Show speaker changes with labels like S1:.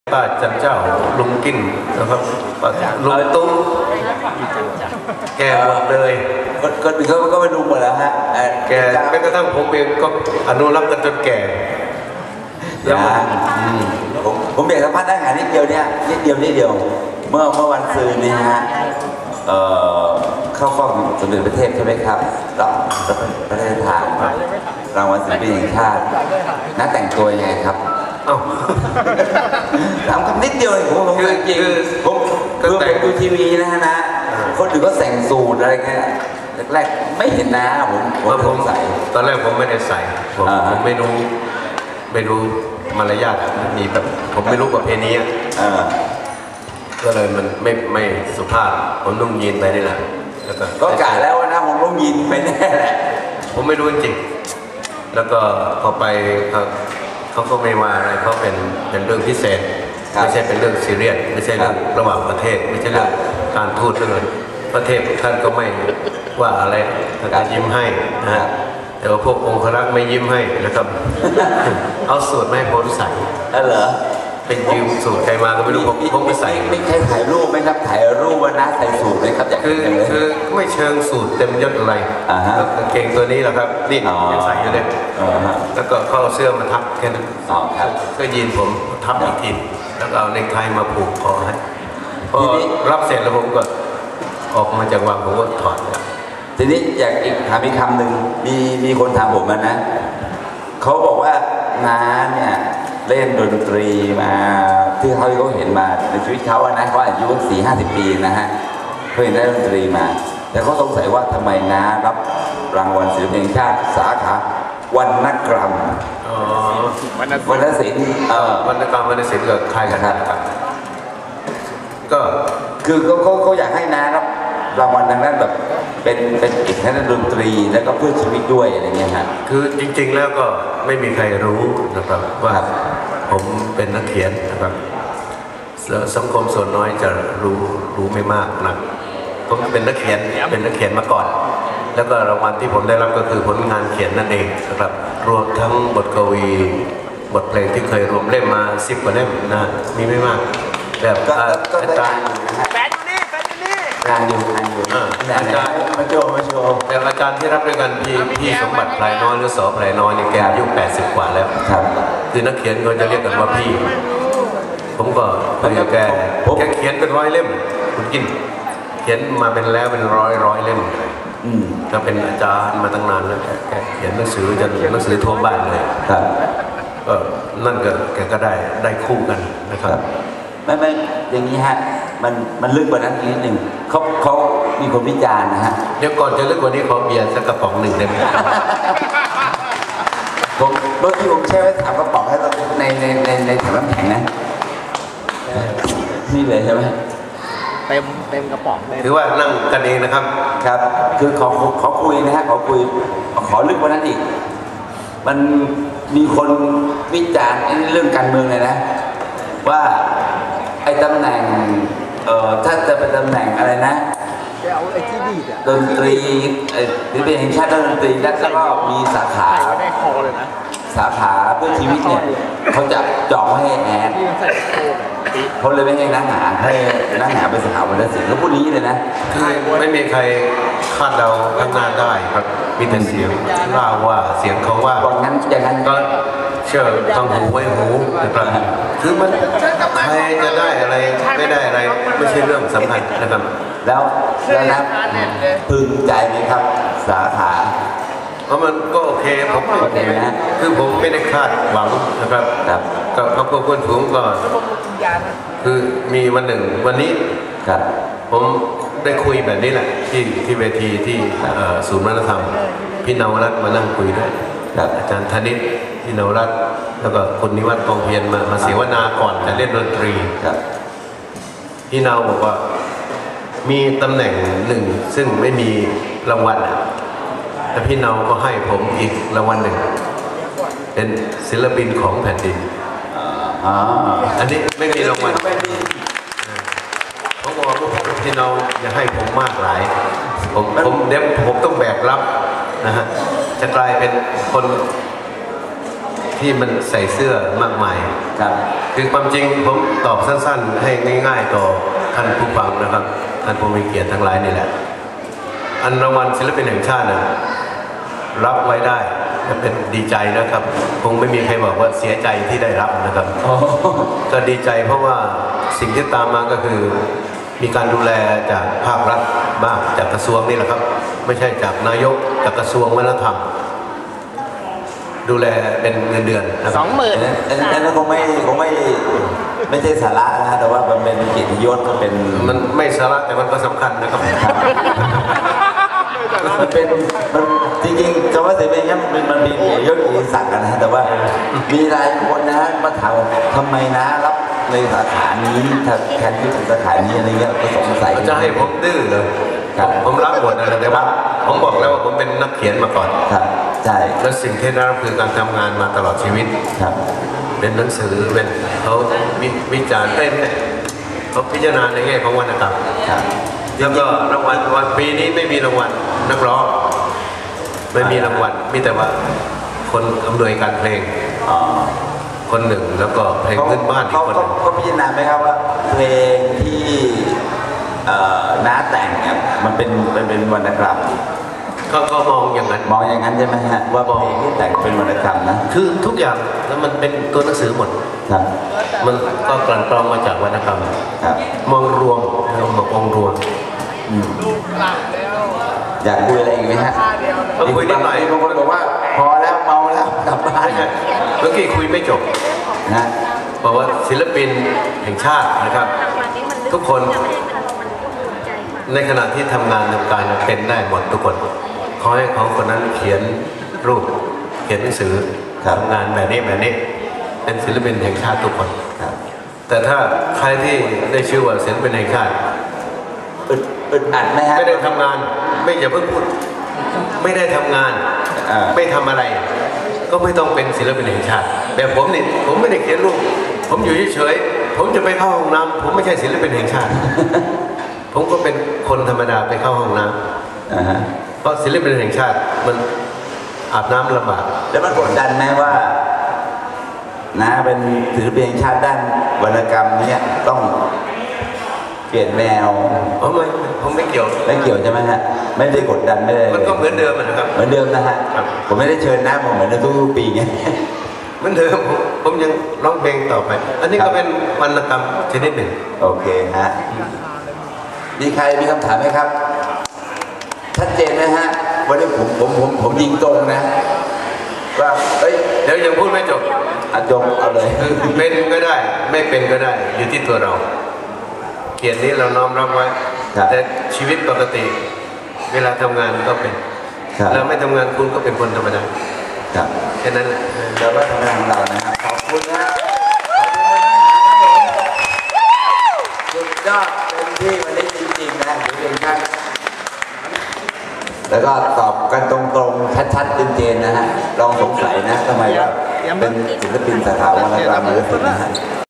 S1: ป้าจันเจ้าลุงกิ้นนะครับลุงตุ้มแกหมดเลย
S2: คนอื่นเขาก็ไม่รู้หมดแล้วฮะ
S1: แกแม้กระทั่งผมเองก็อนุรักษ์กันจนแก่
S2: แล้วผมอยากสัมภาษณ์ได้งานนิดเดียวเนี่ยนิดเดียวเมื่อวันซืนนี้ฮะเข้าฟ้องสมเด็จพระเทพใช่ไหมครับรับพระราชทานรางวัลศิลปินแห่งชาติน่าแต่งตัวยังไงครับถามคำนิดเดียวผมจริงผมดูทีวีนะฮะนะคนอื่นก็แต่งสูทอะไรเงี้ยแรกไม่เห็นนะผมใส่
S1: ตอนแรกผมไม่ได้ใส่ผมไม่รู้มารยาทมีแบบผมไม่รู้ประเพณีก็เลยมันไม่สุภาพผมนุ่งยีนไปนี่แหละ
S2: ก็กะแล้วนะผมนุ่งยีนไปแน่แหละ
S1: ผมไม่รู้จริงๆแล้วก็พอไปเขาก็ไม่ว่าอะไรเขาเป็นเรื่องพิเศษไม่ใช่เป็นเรื่องซีเรียสไม่ใช่เรื่องระหว่างประเทศไม่ใช่เรื่องการทูตเรื่องประเทศท่านก็ไม่ว่าอะไรท่านก็ยิ้มให้นะแต่ว่าพวกองครักษ์ไม่ยิ้มให้นะครับเอาสูตรไม่ให้ผมใส่
S2: เหรอ
S1: เป็นยืมสูตรใครมาก็ไม่รู้ผมไม่ใส่
S2: ไม่ใช่ถ่ายรูปไหมครับถ่ายรูปวันนั้นใส่สูตรไหมครับ
S1: คือไม่เชิงสูตรเต็มยศอะไรกางเกงตัวนี้แหละครับนี่ยังใส่อยู่เลยแล้วก็เข้าเสื้อมาทับแค่นั้นก็ยีนผมทับอีกทีแล้วเอาเนคไทมาผูกคอให้พอรับเสร็จแล้วผมก็ออกมาจากวังผมก็ถอด
S2: ทีนี้อยากถามอีกคำหนึ่งมีคนถามผมนะเขาบอกว่าน้าเนี่ยเล่นดนตรีมาที่เขาเห็นมาในชีวิตเขานะเขาอายุ40-50 ปีนะฮะเขาเห็นได้ดนตรีมาแต่เขาสงสัยว่าทำไมน้ารับรางวัลศิลปินแห่งชาติสาขาวรรณกรรมวรรณศิลป์
S1: วรรณกรรมวรรณศิลป์กับใครกันครับ
S2: ก็คือเขาอยากให้น้ารับรางวัลทางด้านแบบเป็นอีกทางด้านดนตรีแล้วก็เพื่อชีวิตด้วยอะไรเงี้ยฮะ
S1: คือจริงๆแล้วก็ไม่มีใครรู้นะครับว่าผมเป็นนักเขียนนะครับสังคมส่วนน้อยจะรู้ไม่มากนะผมเป็นนักเขียนมาก่อนแล้วก็รางวัลที่ผมได้รับก็คือผลงานเขียนนั่นเองนะครับรวมทั้งบทกวีบทเพลงที่เคยรวมเล่มมา10 กว่าเล่มนะมีไม่มากแบบอาจารย์
S2: งานอยู่
S1: อาจารย์
S2: มาโชว์
S1: แต่อาจารย์ที่รับด้วยกันพี่สมบัติพลายน้อยหรือสอพลายน้อยเนี่ยแกอายุ80 กว่าแล้วคือนักเขียนเขาจะเรียกกันว่าพี่ผมก็คุยกับแกเขียนเป็น100 เล่มคุณกินเขียนมาเป็นแล้วเป็นร้อยเล่มก็เป็นอาจารย์มาตั้งนานแล้วแกเขียนหนังสือจนหนังสือทั่วบ้านเลยก็นั่นก็แกก็ได้คู่กันนะครับ
S2: ไม่อย่างนี้ฮะมันลึกกว่านั้นอีกนิดหนึ่งเขามีคนวิจารณ์นะฮะ
S1: เดี๋ยวก่อนจะลึกกว่านี้ขอเบียร์สักกระป๋องหนึ่งได้ไหม
S2: ผมเมื่อกี้ผมแช่ไว้3 กระป๋องให้ในถังน้ำแข็งนะนี่เลยใช่ไหม
S3: เต็มกระป๋องเลย
S1: ถือว่านั่งกันเองนะครับ
S2: ครับคือขอคุยนะฮะขอลึกกว่านั้นอีกมันมีคนวิจารณ์เรื่องการเมืองเลยนะว่าไอ้ตำแหน่งถ้าจะเป็นตำแหน่งอะไรนะดนตรีหรือเป็นแห่งชาติดนตรีแล้วก็มีสาขาเพื่อชีวิตเนี่ยเขาจะจองให้แอนเขาเลยไม่ให้นักหาเป็นสาขาวรรณศิลป์เขาพูดนี้เลยนะ
S1: คือไม่มีใครคาดเดาข้างหน้าได้ครับมีแต่เสียงเล่าว่าเสียงเขาว่า
S2: อย่างนั้น
S1: ก็เชื่อทางหูไว้หูนะครับคือมันใครจะได้อะไรไม่ได้อะไรไม่ใช่เรื่องสำคัญนะครับ
S2: แล้วนะพึงใจไหมครับสาขา
S1: เพราะมันก็โอเคผมโอเคนะคือผมไม่ได้คาดหวังนะครับกับครอบครัวเพื่อนฝูงก็คือมีวันหนึ่งวันนี้ผมได้คุยแบบนี้แหละที่เวทีที่ศูนย์วัฒนธรรมพี่นวรัตน์มานั่งคุยด้วยอาจารย์ธนิตพี่นวรัตน์แล้วก็คุณนิวัฒน์กองเพียรมาเสวนาก่อนจะเล่นดนตรีพี่นาวบอกว่ามีตำแหน่งหนึ่งซึ่งไม่มีรางวัลแต่พี่นาวก็ให้ผมอีกรางวัลหนึ่งเป็นศิลปินของแผ่นดินอันนี้ไม่มีรางวัลเขาบอกว่าพี่นาวอย่าให้ผมมากหลายผมเดี๋ยวผมต้องแบกรับนะฮะจะกลายเป็นคนที่มันใส่เสื้อมากมาย
S2: ครับ
S1: คือความจริงผมตอบสั้นๆให้ง่ายๆต่อท่านผู้ฟังนะครับท่านผู้มีเกียรติทั้งหลายนี่แหละอันรางวัลศิลปินแห่งชาตินะรับไว้ได้เป็นดีใจนะครับคงไม่มีใครบอกว่าเสียใจที่ได้รับนะครับก็ดีใจเพราะว่าสิ่งที่ตามมาก็คือมีการดูแลจากภาครัฐบ้างจากกระทรวงนี่แหละครับไม่ใช่จากนายกจากกระทรวงวัฒนธรรมดูแลเป็นเงินเดือนนะครับ
S3: 20,000
S2: อันนั้นคงไม่ใช่สาระนะแต่ว่ามันเป็นเกียรติยศก็เป็น
S1: มันไม่สาระแต่มันก็สำคัญนะครับ
S2: มันจริงๆคำว่าเสรีเนี่ยมันมีเกียรติยศเกียรติศักดิ์นะแต่ว่ามีหลายคนนะมาถามทำไมนะรับในสาขานี้แทนที่สาขานี้อะไรเงี้ยก็สงสัย
S1: จะให้ผมดื้อเลยผมรับหมดนะแต่ว่าผมบอกแล้วว่าผมเป็นนักเขียนมาก่อน
S2: ครับใช่
S1: และสิ่งที่ได้รับคือการทำงานมาตลอดชีวิต
S2: ครับ
S1: เป็นหนังสือเป็นเขาวิจารณ์เขาพิจารณาในแง่ของวรรณกรรมแล้วก็รางวัลวันปีนี้ไม่มีรางวัลนักร้องไม่มีรางวัลมีแต่ว่าคนอำนวยการเพลงคนหนึ่งแล้วก็เพลงพื้นบ้านอีกคนหนึ่ง
S2: เขาพิจารณาไหมครับว่าเพลงที่น้าแต่งเนี่ยมันเป็นวรรณกรรม
S1: ก็มองอย่างนั้น
S2: ใช่ไหมฮะว่าเพลงที่แต่งเป็นวรรณกรรมนะ
S1: คือทุกอย่างแล้วมันเป็นตัวหนังสือหมด
S2: ครับ
S1: มันก็กลั่นกรองมาจากวรรณกรรม
S2: ครับ
S1: มองรวมองรวม
S2: อยากคุยอะไรอีกไหมฮะ
S1: คุยนิดหน่อย
S2: บางคนบอกว่าพอแล้วเมาแล้วกลับบ้าน
S1: เมื่อกี้คุยไม่จบ
S2: นะ
S1: บอกว่าศิลปินแห่งชาตินะครับทุกคนในขณะที่ทำงานทำการเป็นได้หมดทุกคนขอให้เขาคนนั้นเขียนรูปเขียนหนังสือทำงานแบบนี้เป็นศิลปินแห่งชาติทุกคนแต่ถ้าใครที่ได้ชื่อว่าศิลปินแห่งชาติ
S2: อึดอัดไหมฮะ
S1: ไม่ได้ทำงานไม่อย่าเพิ่งพูดไม่ได้ทำงานไม่ทำอะไรก็ไม่ต้องเป็นศิลปินแห่งชาติแบบผมนี่ผมไม่ได้เขียนรูปผมอยู่เฉยๆผมจะไปเข้าห้องน้ำผมไม่ใช่ศิลปินแห่งชาติผมก็เป็นคนธรรมดาไปเข้าห้องน้ำเพราะศิลปินแห่งชาติมันอาบน้ำลำบาก
S2: แล้วมันกดดันไหมว่านะเป็นศิลปินแห่งชาติด้านวรรณกรรมเนี่ยต้องเปลี่ยนแนว
S1: ผมไม่เกี่ยว
S2: ใช่ไหมฮะไม่ได้กดดันไม่ได้
S1: มันก็เหมือนเดิมนะครับ
S2: เหมือนเดิมนะฮะผมไม่ได้เชิญนะผมเหมือนทุกปีไง
S1: เหมือนเดิมผมยังร้องเพลงต่อไปอันนี้ก็เป็นวรรณกรรมชนิดหนึ่ง
S2: โอเคฮะมีใครมีคำถามไหมครับชัดเจนนะฮะวันนี้ผมยิงตรงนะว่า
S1: เดี๋ยวยังพูดไม่จบ
S2: จงเอาเลย
S1: เป็นก็ได้ไม่เป็นก็ได้อยู่ที่ตัวเราเกียรตินี้เราน้อมรับไว้แต่ชีวิตปกติเวลาทำงานก็เป็นแล้วไม่ทำงานคุณก็เป็นคนธรรมดาแค่นั้นแหละ
S2: เราก็ทำงานของเรานะครับขอบคุณนะสุดยอดเป็นที่วันนี้จริงๆนะอยู่เองครับแล้วก็ตอบกันตรงๆชัดๆเจนๆนะฮะลองสงสัยนะทำไมว่าเป็นศิลปินสาขาวรรณกรรมหรือศิลป์นะฮะ